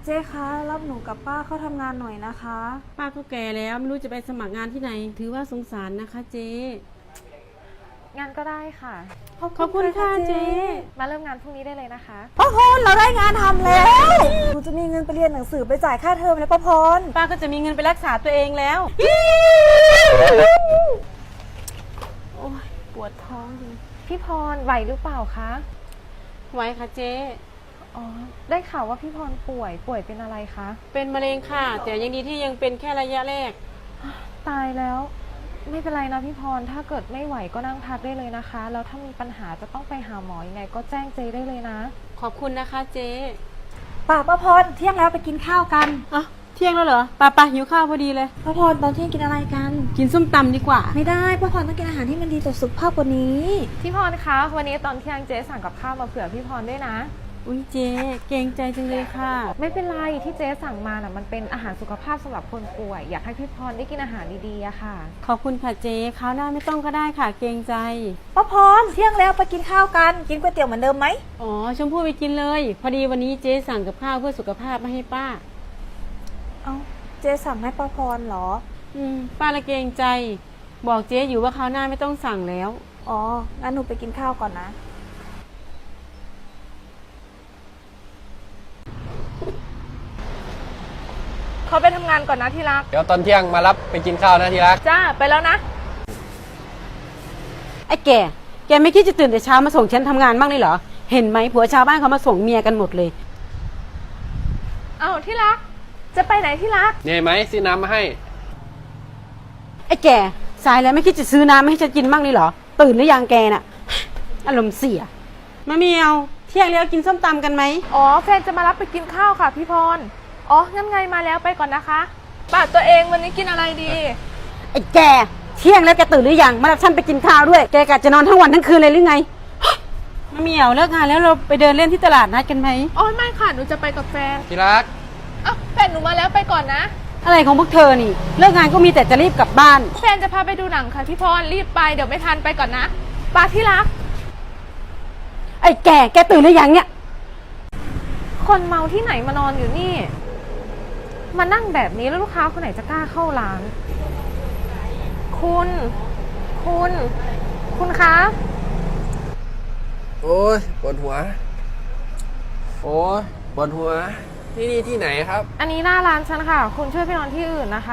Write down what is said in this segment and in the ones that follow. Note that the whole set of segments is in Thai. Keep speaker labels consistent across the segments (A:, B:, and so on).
A: เจ๊คะรับหนูกับป้าเข้าทำงานหน่อยนะคะ
B: ป้าก็แก่แล้วไม่รู้จะไปสมัครงานที่ไหนถือว่าสงสารนะคะเจ๊
C: งานก็ได้ค่ะ
B: ขอบคุณค่ะเจ๊
C: มาเริ่มงานพรุ่งนี้ได้เลยนะคะ
A: ป้าพรเราได้งานทำแล้วหนูจะมีเงินไปเรียนหนังสือไปจ่ายค่าเทอมแล้วป้าพร
B: ป้าก็จะมีเงินไปรักษาตัวเองแล้วโอ้ยปวดท้องจริง
C: พี่พรไหวหรือเปล่าคะ
B: ไว้ค่ะเจ๊
C: อ๋อ ได้ข่าวว่าพี่พรป่วยเป็นอะไรคะ
B: เป็นมะเร็งค่ะ แต่ยังดีที่ยังเป็นแค่ระยะแรก
C: ตายแล้ว ไม่เป็นไรนะพี่พร ถ้าเกิดไม่ไหวก็นั่งพักได้เลยนะคะ แล้วถ้ามีปัญหาจะต้องไปหาหมอยังไงก็แจ้งเจได้เลยนะ
B: ขอบคุณนะคะเจ๊
A: ป้าพรเที่ยงแล้วไปกินข้าวกัน
B: อ่ะเที่ยงแล้วเหรอป้าหิวข้าวพอดีเลย
A: ป้าพรตอนเที่ยงกินอะไรกัน
B: กินส้มตำดีกว่า
A: ไม่ได้ป้าพรต้องกินอาหารที่มันดีต่อสุขภาพกว่านี้
C: พี่พรคะ วันนี้ตอนเที่ยงเจ๊สั่งกับข้าวมาเผื่อพี่พรด้วยนะ
B: อุ้ยเจ๊เกรงใจจังเลยค่ะ
C: ไม่เป็นไรที่เจ๊สั่งมาน่ะมันเป็นอาหารสุขภาพสำหรับคนป่วย อยากให้พี่พรได้กินอาหารดีๆอะค่ะ
B: ขอบคุณค่ะเจ๊คราวหน้าไม่ต้องก็ได้ค่ะ เกรงใจ
A: ป้าพรเที่ยงแล้วไปกินข้าวกัน กินก๋วยเตี๋ยวเหมือนเดิมไหม
B: อ๋อชมพู่ไปกินเลย พอดีวันนี้เจ๊สั่งกับข้าวเพื่อสุขภาพมาให้ป้า
A: เอ้าเจ๊สั่งให้ป้าพรเหรอ
B: ป้าละเกรงใจ บอกเจ๊อยู่ว่าคราวหน้าไม่ต้องสั่งแล้ว
A: อ๋องั้นหนูไปกินข้าวก่อนนะ
C: เขาไปทำงานก่อนนะที่รัก
D: เดี๋ยวตอนเที่ยงมารับไปกินข้าวนะที่รัก
C: จ้า ไปแล้วนะ
B: ไอ้แกไม่คิดจะตื่นแต่เช้ามาส่งฉันทำงานบ้างเลยเหรอ เห็นไหมผัวชาวบ้านเขามาส่งเมียกันหมดเลย
C: เอาที่รัก จะไปไหนที่รัก
D: เหนื่อยไหมซื้อน้ำมาให้
B: ไอ้แกสายแล้วไม่คิดจะซื้อน้ำให้ฉันกินบ้างเลยเหรอ ตื่นหรือยังแกน่ะ อารมณ์เสียมาเมียวเที่ยงแล้วกินส้มตำกันไหม
C: อ๋อ แฟนจะมารับไปกินข้าวค่ะพี่พร อ๋อ งั้นไงมาแล้วไปก่อนนะคะป้าตัวเองวันนี้กินอะไรดี
B: ไอ้แกเที่ยงแล้วแกตื่นหรือยังมารับฉันไปกินข้าวด้วย แกกะจะนอนทั้งวันทั้งคืนเลยหรือไงมาเมียวเลิกงานแล้วเราไปเดินเล่นที่ตลาดนัดกันไหม
C: อ๋อ ไม่ค่ะ หนูจะไปกับแฟน
D: ที่รัก
C: อ้าวแฟนหนูมาแล้วไปก่อนนะ
B: อะไรของพวกเธอนี่ เลิกงานก็มีแต่จะรีบกลับบ้าน
C: แฟนจะพาไปดูหนังค่ะพี่พร รีบไปเดี๋ยวไม่ทันไปก่อนนะป้าที่รัก
B: ไอ้แกตื่นหรือยังเนี่ย
C: คนเมาที่ไหนมานอนอยู่นี่ มานั่งแบบนี้แล้วลูกค้าคนไหนจะกล้าเข้าร้าน คุณคะ
D: โอ้ยปวดหัว โอ้ยปวดหัว นี่ที่ไหนครับ
C: อันนี้หน้าร้านฉันค่ะ คุณช่วยไปนอนที่อื่นนะคะ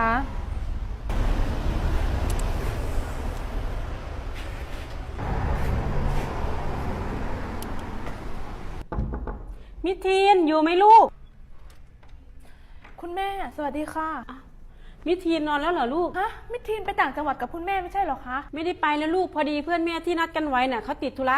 B: มิทีนอยู่ไหมลูก
C: คุณแม่สวัสดีค่ะ
B: มิทีนนอนแล้วเหรอลูก
C: ฮะมิทีนไปต่างจังหวัดกับคุณแม่ไม่ใช่เหรอคะ
B: ไม่ได้ไปแล้วลูกพอดีเพื่อนแม่ที่นัดกันไว้น่ะเขาติดธุระ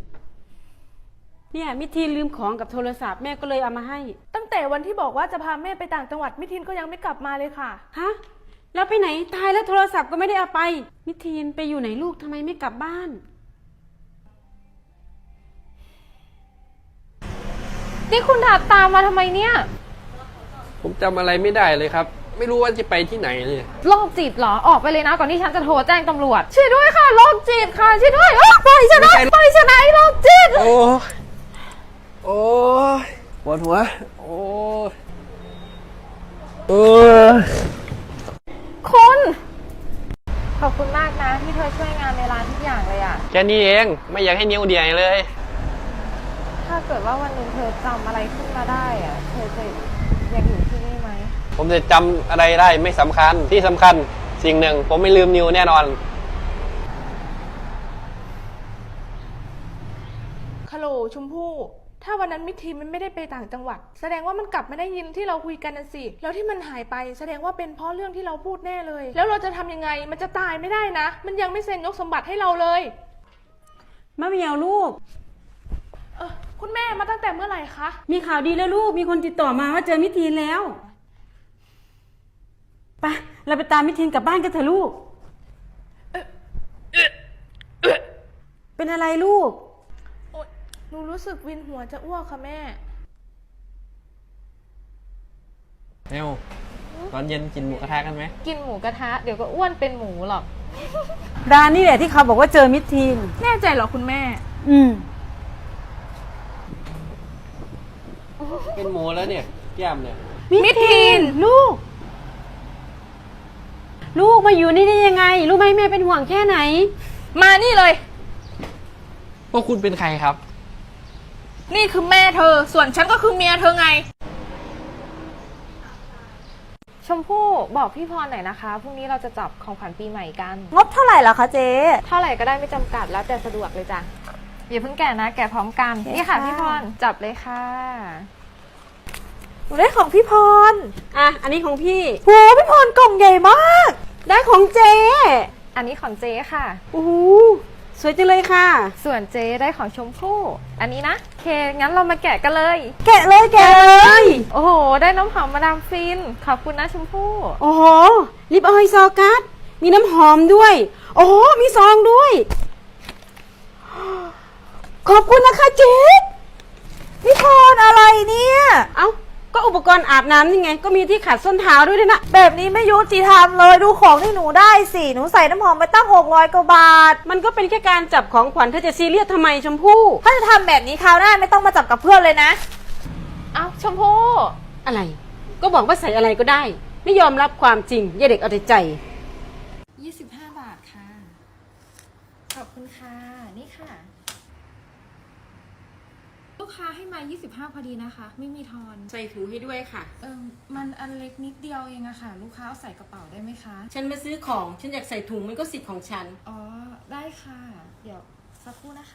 B: เนี่ยมิทีนลืมของกับโทรศัพท์แม่ก็เลยเอามาให้
C: ตั้งแต่วันที่บอกว่าจะพาแม่ไปต่างจังหวัดมิทีนก็ยังไม่กลับมาเลยค่ะ
B: ฮะแล้วไปไหนตายแล้วโทรศัพท์ก็ไม่ได้เอาไป มิทีนไปอยู่ไหนลูกทำไมไม่กลับบ้าน
C: นี่คุณถาตามมาทำไมเนี่ย
D: ผมจำอะไรไม่ได้เลยครับ ไม่รู้ว่าจะไปที่ไหนเลย
C: โรคจิตเหรอ ออกไปเลยนะก่อนที่ฉันจะโทรแจ้งตำรวจ ช่วยด้วยค่ะโรคจิตค่ะช่วยด้วยปล่อยฉันนะปล่อยฉันนะโรคจิต
D: โอ้ยโอ้ยปวดหัว โอ้ยเออ
C: คุณ ขอบคุณมากนะที่เธอช่วยงานในร้านทุกอย่างเลยอะ
D: แค่นี้เอง ไม่อยากให้นิ้วเดียเลย
C: ถ้าเกิดว่าวันหนึงเธอจำอะไรขึ้นมาได้อะเธอจะยังอยู่ที่นี่ไหม
D: ผมจะจำอะไรได้ไม่สำคัญ ที่สำคัญสิ่งหนึ่ง ผมไม่ลืมนิ้วแน่นอน
E: ฮัลโหลชมพู่ ถ้าวันนั้นมิทีนมันไม่ได้ไปต่างจังหวัด แสดงว่ามันกลับมาได้ยินที่เราคุยกันนั่นสิ แล้วที่มันหายไป แสดงว่าเป็นเพราะเรื่องที่เราพูดแน่เลย แล้วเราจะทำยังไง มันจะตายไม่ได้นะ มันยังไม่เซ็นยกสมบัติให้เราเลย
B: มะเมียวลูก
E: คุณแม่มาตั้งแต่เมื่อไหร่คะ
B: มีข่าวดีแล้วลูกมีคนติดต่อมาว่าเจอมิทีนแล้วไปเราไปตามมิทีนกลับบ้านกันเถอะลูกเป็นอะไรลูก
E: โอ๊ยหนูรู้สึกวินหัวจะอ้วกค่ะแม่
D: เร็วตอนเย็นกินหมูกระทะกันไหม
C: กินหมูกระทะเดี๋ยวก็อ้วนเป็นหมูหรอก
B: ร้านนี่แหละที่เขาบอกว่าเจอมิทีน
E: แน่ใจเหรอคุณแม่
B: อืม
D: เป็นหมูแล้วเนี่ยแก้มเนี่ย
E: มิทีน
B: ลูก ลูกมาอยู่นี่ได้ยังไง รู้ไหมแม่เป็นห่วงแค่ไหน
E: มานี่เลย
D: พวกคุณเป็นใครครับ
E: นี่คือแม่เธอ ส่วนฉันก็คือเมียเธอไง
C: ชมพู่บอกพี่พรหน่อยนะคะพรุ่งนี้เราจะจับของขวัญปีใหม่กัน
A: งบเท่าไหร่ล่ะคะเจ๊
C: เท่าไหร่ก็ได้ไม่จำกัดแล้วแต่สะดวกเลยจ้ะอย่าเพิ่งแกะนะ แกะพร้อมกัน
A: โอเค
C: นี่ค่ะ
A: ค่ะ
C: พี่พรจับเลยค่ะ
A: หนูได้ของพี่พร
B: อ่ะ อันนี้ของพี่
A: โหพี่พรกล่องใหญ่มาก
B: ได้ของเจ๊
C: อันนี้ของเจ๊ค่ะ
B: โอ้โหสวยจังเลยค่ะ
C: ส่วนเจ๊ได้ของชมพู่อันนี้นะโอเคงั้นเรามาแกะกันเลย
A: แกะเลยแกะเลย
C: โอ้โห ได้น้ำหอมมาดามฟินขอบคุณนะชมพู่
B: โอ้โห ลิปออยล์ซอกัสมีน้ำหอมด้วย โอ้โห มีซองด้วย ขอบคุณนะคะเจ๊
A: พี่พรอะไรเนี่ย
B: เอ้า ก็อุปกรณ์อาบน้ำนี่ไง ก็มีที่ขัดส้นเท้าด้วยนะ
A: แบบนี้ไม่ยุติธรรมเลยดูของที่หนูได้สิหนูใส่น้ำหอมไปตั้ง600 กว่าบาท
B: มันก็เป็นแค่การจับของขวัญเธอจะซีเรียสทำไมชมพู่
A: ถ้าจะทำแบบนี้คราวหน้าไม่ต้องมาจับกับเพื่อนเลยนะ
C: เอ้าชมพู่
B: อะไร ก็บอกว่าใส่อะไรก็ได้ ไม่ยอมรับความจริงอย่าเด็กเอาแต่ใจ
C: 25 บาทค่ะ ขอบคุณค่ะ นี่ค่ะ ลูกค้าให้มา 25 พอดีนะคะ ไม่มีทอน
B: ใส่ถุงให้ด้วยค่ะ
C: มันอันเล็กนิดเดียวเองอะค่ะ ลูกค้าเอาใส่กระเป๋าได้ไหมคะ
B: ฉันมาซื้อของ ฉันอยากใส่ถุงมันก็สิทธิ์ของฉัน
C: อ๋อ ได้ค่ะ เดี๋ยวสักครู่นะคะ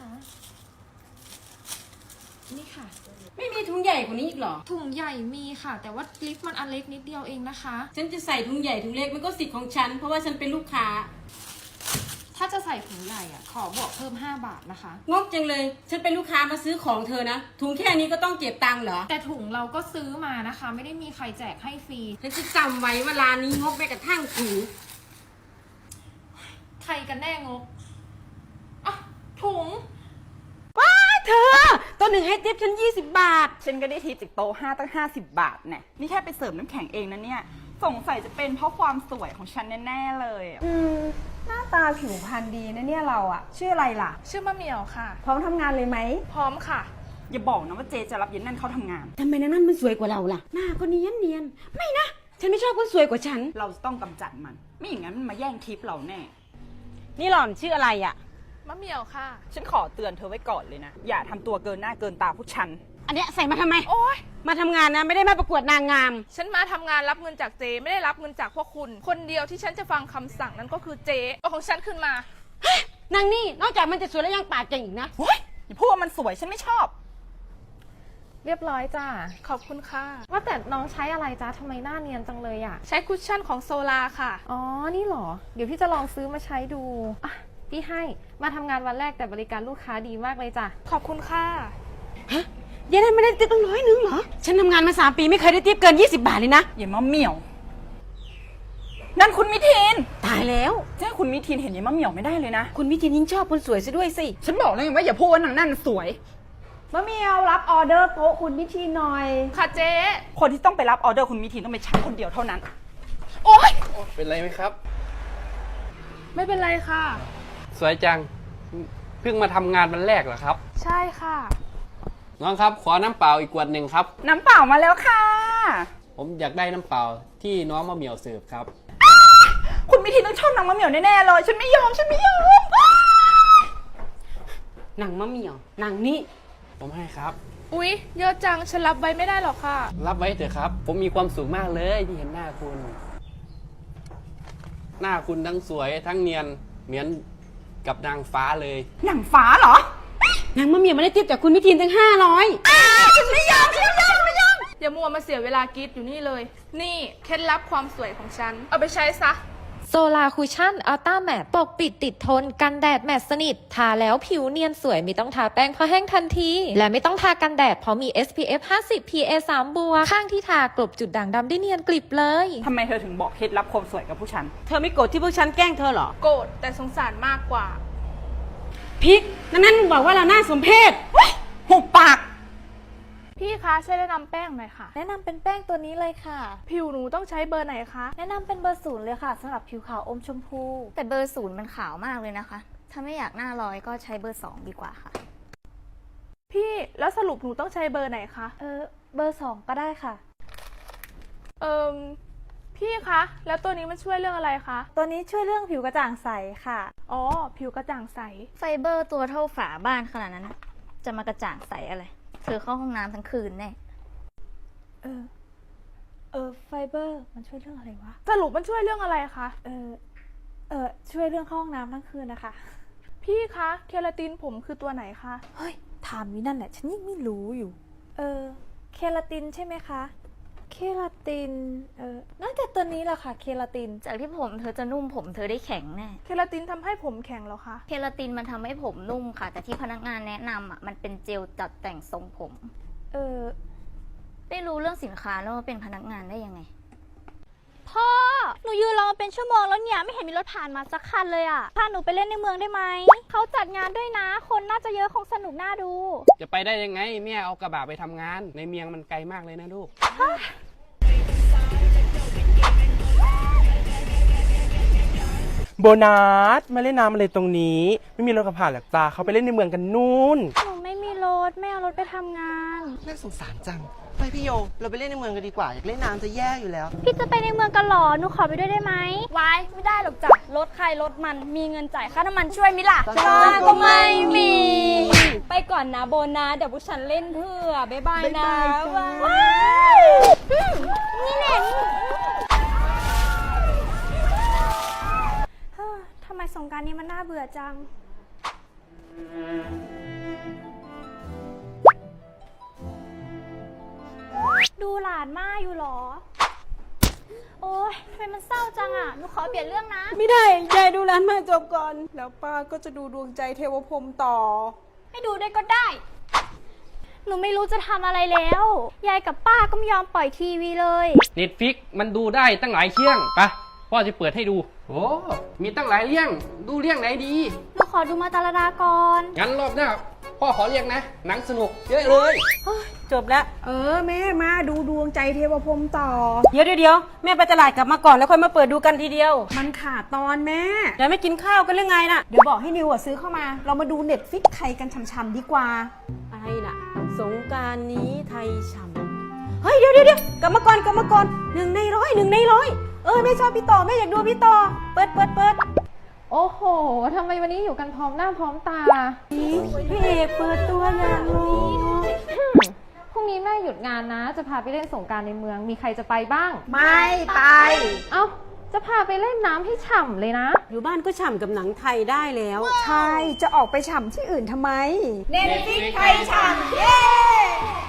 C: นี่ค่ะ
B: ไม่มีถุงใหญ่กว่านี้อีกเหรอ
C: ถุงใหญ่มีค่ะ แต่ว่าลิฟต์มันอันเล็กนิดเดียวเองนะคะ
B: ฉันจะใส่ถุงใหญ่ถุงเล็กมันก็สิทธิ์ของฉัน เพราะว่าฉันเป็นลูกค้า
C: ถ้าจะใส่ถุงใหญ่อะขอบวกเพิ่ม 5 บาทนะคะ
B: งกจังเลย ฉันเป็นลูกค้ามาซื้อของเธอนะ ถุงแค่นี้ก็ต้องเก็บตังค์เหรอ
C: แต่ถุงเราก็ซื้อมานะคะ ไม่ได้มีใครแจกให้ฟรี
B: ฉันจะจำไว้ว่าร้านนี้งกไปกระทั่งถุง
C: ใครกันแน่งกอ่ะถุง
B: ว้าเธอ ตัวหนึ่งให้ทิปฉัน20 บาท
F: ฉันก็ได้ทิปจากโต๊ะ5ตั้ง50 บาทเนี่ยนี่แค่ไปเสริมน้ำแข็งเองนะเนี่ย สงสัยจะเป็นเพราะความสวยของฉันแน่ๆเลยอะ
A: หน้าตาผิวพรรณดีนะเนี่ยเราอะชื่ออะไรล่ะ
E: ชื่อมะเหมี่ยวค่ะ
A: พร้อมทำงานเลยไหม
E: พร้อมค่ะ
F: อย่าบอกนะว่าเจจะรับเย็นนั่นเข้าทำงาน
B: ทำไมนางนั่นมันสวยกว่าเราล่ะ หน้าก็เนียนเนียนๆไม่นะ ฉันไม่ชอบคนสวยกว่าฉัน
F: เราจะต้องกำจัดมัน ไม่อย่างนั้นมันมาแย่งทิปเราแน่
B: นี่หล่อนชื่ออะไรอ่ะ
E: มะเหมี่ยวค่ะ
F: ฉันขอเตือนเธอไว้ก่อนเลยนะ อย่าทำตัวเกินหน้าเกินตาผู้ชัน
B: อันเนี้ยใส่มาทำไม
E: โอ๊ย
B: มาทำงานนะ ไม่ได้มาประกวดนางงาม
E: ฉันมาทำงานรับเงินจากเจ ไม่ได้รับเงินจากพวกคุณ คนเดียวที่ฉันจะฟังคำสั่งนั้นก็คือเจเอาของฉันขึ้นมา
B: นางนี่นอกจากมันจะสวยแล้วยังปากเก่งอีกนะ
F: เฮ้ยอย่าพูดว่ามันสวยฉันไม่ชอบ
C: เรียบร้อยจ้า
E: ขอบคุณค่ะ
C: ว่าแต่น้องใช้อะไรจ้าทำไมหน้าเนียนจังเลยอะ
E: ใช้คุชชั่นของโซลาค่ะ
C: อ๋อ นี่เหรอ เดี๋ยวพี่จะลองซื้อมาใช้ดูอ่ะพี่ให้ มาทำงานวันแรกแต่บริการลูกค้าดีมากเลยจ้ะ
E: ขอบคุณค่ะ
B: ฮะยังได้ไม่ได้ติ๊บตั้ง100เหรอ ฉันทำงานมา3 ปีไม่เคยได้ติ๊บเกิน20 บาทเลยนะ
F: อย่ามาเหมี่ยว นั่นคุณมิทิน
B: ตายแล้ว
F: เจ้าคุณมิทินเห็นอย่ามาเหมี่ยวไม่ได้เลยนะ
B: คุณมิทินยิ่งชอบคนสวยซะด้วยสิ
F: ฉันบอกแล้วไงว่าอย่าพูดว่านางนั่นสวย
A: มะเมียวรับออเดอร์โต๊ะคุณพิธีหน่อย
E: ค่ะเจ
F: คนที่ต้องไปรับออเดอร์คุณมิทินต้องเป็นฉันคนเดียวเท่านั้น
E: โอ๊ย
D: เป็นไรไหมครับ
E: ไม่เป็นไรค่ะ
D: สวยจัง เพิ่งมาทำงานวันแรกเหรอครับ
E: ใช่ค่ะ
D: น้องครับ ขอน้ำเปล่าอีกขวดหนึ่งครับ
F: น้ำเปล่ามาแล้วค่ะ
D: ผมอยากได้น้ำเปล่าที่น้องมะเหมี่ยวเสิร์ฟครับ
F: คุณมิทินต้องชอบนางมะเหมี่ยวแน่ๆเลย ฉันไม่ยอม ฉันไม่ยอม
B: นางมะเหมี่ยวนางนี่
D: ผมให้ครับ
E: อุ๊ย เยอะจัง ฉันรับไว้ไม่ได้หรอกค่ะ
D: รับไว้เถอะครับ ผมมีความสุขมากเลยที่เห็นหน้าคุณ หน้าคุณทั้งสวยทั้งเนียนเหมือนกับนางฟ้าเลย
F: หนังฟ้าเหรอ
B: นางมะเหมี่ยวไม่ได้ติ๊บจากคุณมิทินตั้ง500
E: อย่ามัวมาเสียเวลากรีดอยู่นี่เลย นี่เคล็ดลับความสวยของฉัน เอาไปใช้ซะ
C: โซลาคูชั่นอัลต้าแมตปกปิดติดทนกันแดดแมตสนิท ทาแล้วผิวเนียนสวยไม่ต้องทาแป้งเพราะแห้งทันที และไม่ต้องทากันแดดเพราะมี SPF 50 PA 3 บวกข้างที่ทากลบจุดด่างดำได้เนียนกลิบเลย
F: ทำไมเธอถึงบอกเคล็ดลับความสวยกับผู้ชัน
B: เธอไม่โกรธที่พวกฉันแกล้งเธอเหรอ
E: โกรธแต่สงสารมากกว่า
B: พิกนางนั่นมันบอกว่าเราหน้าสมเพศ
F: หุบปาก
E: พี่คะช่วยแนะนำแป้งหน่อยค่ะ
A: แนะนำเป็นแป้งตัวนี้เลยค่ะ
E: ผิวหนูต้องใช้เบอร์ไหนคะ
A: แนะนำเป็นเบอร์0เลยค่ะสำหรับผิวขาวอมชมพู
G: แต่เบอร์0มันขาวมากเลยนะคะ ถ้าไม่อยากหน้าลอยก็ใช้เบอร์2ดีกว่าค่ะ
E: พี่แล้วสรุปหนูต้องใช้เบอร์ไหนคะ
A: เบอร์2ก็ได้ค่ะ
E: พี่คะแล้วตัวนี้มันช่วยเรื่องอะไรคะ
A: ตัวนี้ช่วยเรื่องผิวกระจ่างใสค่ะ
E: อ๋อผิวกระจ่างใส
G: ไฟเบอร์ตัวเท่าฝาบ้านขนาดนั้นน่ะจะมากระจ่างใสอะไร เธอเข้าห้องน้ำทั้งคืนแน่
A: ไฟเบอร์มันช่วยเรื่องอะไรวะ
E: สรุปมันช่วยเรื่องอะไรคะ
A: ช่วยเรื่องเข้าห้องน้ำทั้งคืนนะคะ
E: พี่คะเคราตินผมคือตัวไหนคะ
A: เฮ้ย ถามวินั่นแหละ ฉันยังไม่รู้อยู่ เคลาตินใช่ไหมคะ เคลาติน น่าจะตัวนี้แหละค่ะ เคลาติน
G: จากที่ผมเธอจะนุ่มผมเธอได้แข็งแน่
E: เคราตินทำให้ผมแข็งเหรอคะ
G: เคราตินมันทำให้ผมนุ่มค่ะ แต่ที่พนักงานแนะนำอ่ะมันเป็นเจลจัดแต่งทรงผม ได้รู้เรื่องสินค้าแล้วว่าเป็นพนักงานได้ยังไง
H: พ่อ หนูยืนรอมาเป็นชั่วโมงแล้วเนี่ย ไม่เห็นมีรถผ่านมาสักคันเลยอ่ะ พาหนูไปเล่นในเมืองได้ไหม เขาจัดงานด้วยนะ คนน่าจะเยอะคงสนุกน่าดู
D: จะไปได้ยังไงแม่เอากระบะไปทำงาน ในเมียงมันไกลมากเลยนะลูก
I: โบนัสมาเล่นน้ำอะไรตรงนี้ ไม่มีรถขับผ่านหรอกจ้าเขาไปเล่นในเมืองกันนู่น
H: หนูไม่มีรถไม่เอารถไปทำงาน
J: น่าสงสารจัง ไปพี่โย เราไปเล่นในเมืองกันดีกว่า อยากเล่นน้ำจะแย่อยู่แล้ว
H: พี่จะไปในเมืองกันเหรอ หนูขอไปด้วยได้ไหม
G: วายไม่ได้หรอกจ้ะรถใครรถมันมีเงินจ่ายค่าน้ำมันช่วยมิล่ะ
J: จ้า
G: ก็ไม่มี
H: ไปก่อนนะโบนะเดี๋ยวพวกฉันเล่นเพื่อบ๊ายบายนะ
G: ว้ายนี่แหละ
H: ทำไมสงกรานต์นี้มันน่าเบื่อจัง ดูหลานม่าอยู่เหรอ โอ๊ยทำไมมันเศร้าจังอ่ะ หนูขอเปลี่ยนเรื่องนะ
B: ไม่ได้ยายดูร้านมาจบก่อน แล้วป้าก็จะดูดวงใจเทวพรหมต่อ
H: ไม่ดูได้ก็ได้ หนูไม่รู้จะทำอะไรแล้ว ยายกับป้าก็ไม่ยอมปล่อยทีวีเลย
D: เน็ตฟิกมันดูได้ตั้งหลายเรื่องไปพ่อจะเปิดให้ดู โอ้มีตั้งหลายเรื่อง ดูเรื่องไหนดี
H: หนูขอดูมาตาลดาก่อน
D: งั้นรอบหน้าพ่อขอเรียกนะ หนังสนุกเยอะเลย
B: จบแล้ว
F: แม่มาดูดวงใจเทวพรหมต่อ
B: เดี๋ยวแม่ไปตลาดกลับมาก่อนแล้วค่อยมาเปิดดูกันทีเดียว
F: มันขาดตอนแม่
B: เดี๋ยวไม่กินข้าวกันหรือไงน่ะ
F: เดี๋ยวบอกให้นิวซื้อเข้ามา เรามาดูเน็ตฟิกไทยกันช่ำๆดีกว่า
B: อะไรน่ะ สงกรานต์นี้ไทยฉ่ำเฮ้ยเดี๋ยวกลับมาก่อน1 ใน 100แม่ชอบพี่ต่อแม่อยากดูพี่ต่อเปิด
C: โอ้โหทำไมวันนี้อยู่กันพร้อมหน้าพร้อมตา
B: พี่เอกเปิดตัวอย่างนี้
C: พรุ่งนี้แม่หยุดงานนะ จะพาไปเล่นสงกรานต์ในเมือง มีใครจะไปบ้าง
F: ไม่ไป
C: เอ้า จะพาไปเล่นน้ำให้ฉ่ำเลยนะ
B: อยู่บ้านก็ฉ่ำกับหนังไทยได้แล้ว
F: ใช่ จะออกไปฉ่ำที่อื่นทำไม
E: เน็ตฟิกไทยฉ่ำเย้